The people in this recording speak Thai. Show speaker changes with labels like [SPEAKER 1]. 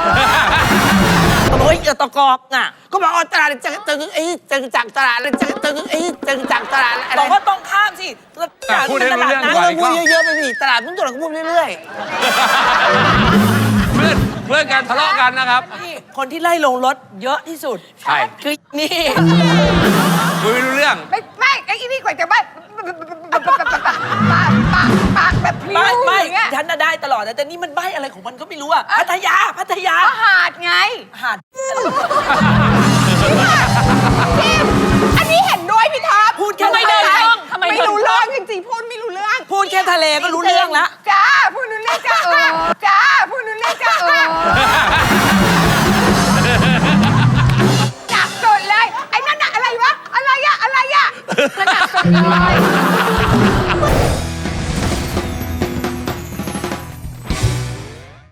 [SPEAKER 1] โอ้ยตะกอกอ่ะ
[SPEAKER 2] ก็บอกตลาดจะจากตลาดจะจากตลาดอะไร
[SPEAKER 1] บอกว่าต้องข้ามสิพูดให้รู้เรื่องก่อน
[SPEAKER 2] พูดเยอะๆไปดิตลาดนู้นตลาดก็พูดเรื่อย
[SPEAKER 3] เพื่อนกันทะเลาะกันนะครับ
[SPEAKER 1] นี่คนที่ไล่ลงรถเยอะที่สุด
[SPEAKER 3] ใช่
[SPEAKER 1] คือนี่
[SPEAKER 3] คุยไม่รู้เรื่อง
[SPEAKER 4] ไม่ไอ้นี่กว่าจะบ้าปากแบบพลิ้ว
[SPEAKER 1] ไม่
[SPEAKER 4] อย่างเงี้ย
[SPEAKER 1] ฉันน่ะได้ตลอดนะแต่นี่มันใบอะไรของมันก็ไม่รู้อะพัทยา
[SPEAKER 4] หาดไง
[SPEAKER 1] หาด
[SPEAKER 4] อันนี้เห็นด้วยพี่ท็อป
[SPEAKER 1] พูดแค่
[SPEAKER 4] ไม่
[SPEAKER 1] ทะเล
[SPEAKER 4] ไม่รู้เรื่องจริงๆพูดไม่รู้เรื่อง
[SPEAKER 1] พูดแค่ทะเลก็รู้เรื่องละ
[SPEAKER 4] จ้าพูดรู้เรื่องจ้าจ้าพูดรู้เรื่องจ้าหนักสุดเลยไอ้นั่นน่ะอะไรวะอะไรอะหนักสุดเลย